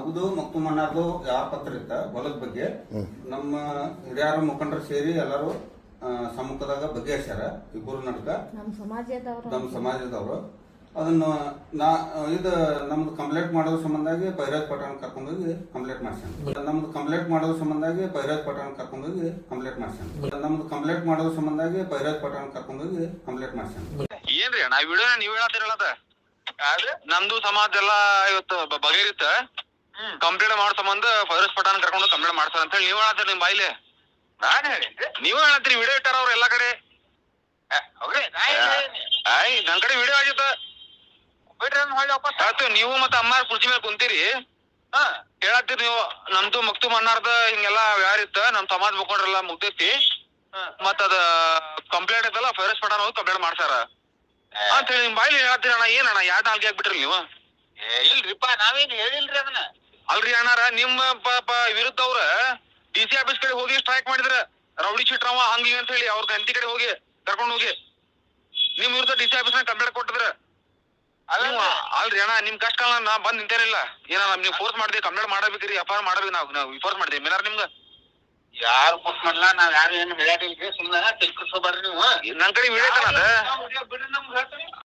ನಮ್ದು ಮಕ್ಕಳು ಯಾವ ಪತ್ರ ಇತ್ತ ಹೊಲದ ಬಗ್ಗೆ ನಮ್ಮ ಹಿರಿಯರ ಮುಖಂಡರು ಸೇರಿ ಎಲ್ಲರೂ ಸಮ್ಮುಖದಾಗ ಬಗೆಹರಿಸ್ಯಾರ ಇಬ್ಬರು ನಡ್ಕ ನಮ್ಮ ಸಮಾಜದವರು ಅದನ್ನ ಇದು ನಮ್ದು ಕಂಪ್ಲೇಂಟ್ ಮಾಡೋದ್ರ ಸಂಬಂಧಾಗಿ ಬೈರಾಜ್ ಪಠಾಣ್ ಕರ್ಕೊಂಡೋಗಿ ಕಂಪ್ಲೇಂಟ್ ಮಾಡ್ಸ್ಯಾನ ನಮ್ದು ಕಂಪ್ಲೇಂಟ್ ಮಾಡೋದ್ರ ಸಂಬಂಧಾಗಿ ಬೈರಾಜ್ ಪಠಾಣ್ ಕರ್ಕೊಂಡೋಗಿ ಕಂಪ್ಲೇಂಟ್ ಮಾಡ್ಸ್ಯಾನ ನಮ್ದು ಕಂಪ್ಲೇಂಟ್ ಮಾಡೋದ್ರ ಸಂಬಂಧಾಗಿ ಬೈರಾಜ್ ಪಠಾಣ್ ಕರ್ಕೊಂಡೋಗಿ ಕಂಪ್ಲೇಂಟ್ ಮಾಡ್ಸ್ಯಾನ ಏನ್ರಿ ನಾ ವಿಡಿಯೋ ನೀವ್ ಹೇಳತ್ತಿರಲ್ಲ ನಮ್ದು ಸಮಾಜ ಎಲ್ಲಾ ಇವತ್ತು ಬಗೆಹರಿತ ಕಂಪ್ಲೇಂಟ್ ಮಾಡೋ ಸಂಬಂಧ ಫೈರೋಜ್ ಪಠಾಣ್ ಕರ್ಕೊಂಡು ಕಂಪ್ಲೇಂಟ್ ಮಾಡ್ತಾರ ಅಂತ ಹೇಳಿ ನೀವ್ ಹೇಳತ್ತೀರಿ ನಿಮ್ ಬಾಯಿಲೆ ನಾನ್ ಹೇಳಿದ್ದೆ ನೀವೇ ಹೇಳತ್ತೀರಿ ವಿಡಿಯೋ ಇಟ್ಟಾರ ಅವ್ರ ಎಲ್ಲಾ ಕಡೆ ನನ್ ಕಡೆ ವಿಡಿಯೋ ಆಗಿತ್ತ ಆಯ್ತು ನೀವು ಮತ್ತ ಅಮ್ಮಾರ್ ಕುರ್ಚಿ ಮೇಲೆ ಕುಂತೀರಿ ಹೇಳತ್ತೀರಿ ನೀವು ನಮ್ದು ಮಕ್ತು ಮಣ್ಣಾರ್ದ ಹಿಂಗೆಲ್ಲಾ ವ್ಯವಹಾರ ಇತ್ತ ನಮ್ ಸಮಾಜ ಮುಖಂಡ್ರೆಲ್ಲಾ ಮುಗ್ದೈತಿ ಮತ್ತ ಅದ ಕಂಪ್ಲೇಂಟ್ ಐತಲ್ಲ ಫೈರೋಜ್ ಪಠಾಣ್ ಹೋಗಿ ಕಂಪ್ಲೇಂಟ್ ಮಾಡ್ಸಾರ ಅಂತ ಹೇಳಿ ನಿಮ್ ಬಾಯಿಲಿ ಹೇಳತ್ತೀರಿ ಅಣ್ಣ ಏನಣ್ಣ ಯಾವ್ದು ನಾಲ್ಗೆ ಆಗ್ಬಿಟ್ರಿ ನೀವು ಇಲ್ರಿಪ್ಪ ನಾವೇನ್ ಹೇಳಿಲ್ರಿ ಅದನ್ನ ಅಲ್ರಿ ಅಣ್ಣಾರ ನಿಮ್ಮ ವಿರುದ್ಧ ಅವ್ರ DC ಆಫೀಸ್ ಕಡೆ ಹೋಗಿ ಸ್ಟ್ರೈಕ್ ಮಾಡಿದ್ರ ರೌಡಿ ಶೀಟ್ರವ ಹಂಗಿ ಅಂತ ಹೇಳಿ ಅವ್ರ ಗಂತಿ ಕಡೆ ಹೋಗಿ ಕರ್ಕೊಂಡು ಹೋಗಿ ನಿಮ್ ವಿರುದ್ಧ DC ಆಫೀಸ್ ನ ಕಂಪ್ಲೇಂಟ್ ಕೊಟ್ಟಿದ್ರ ಅಲ್ರಿ ಅಣ್ಣ ನಿಮ್ ಕಷ್ಟ ಕಾಲ ನಾ ಬಂದ್ ನಿಂತೇನಿಲ್ಲ ಏನ ನೀವ್ ಫೋರ್ಸ್ ಮಾಡಿದ್ವಿ ಕಂಪ್ಲೇಂಟ್ ಮಾಡಬೇಕ್ರಿ FIR ಮಾಡಬೇಕು ನಾವು ಫೋರ್ಸ್ ಮಾಡಿದ್ವಿ ಮೇಲಾರ ನಿಮ್ಗ ಯಾರು ಫೋರ್ಸ್ ಮಾಡ್ಲಾ ನಾವ್ ಯಾರು ಏನು ಹೇಳಿಲ್ರಿ ಸುಮ್ಮನೆ ತಿಳ್ಕೊಳ್ಬೇಡ್ರಿ ನೀವು ನನ್ ಕಡೆ ವಿಡಿಯೋ ಐತನ ಅದ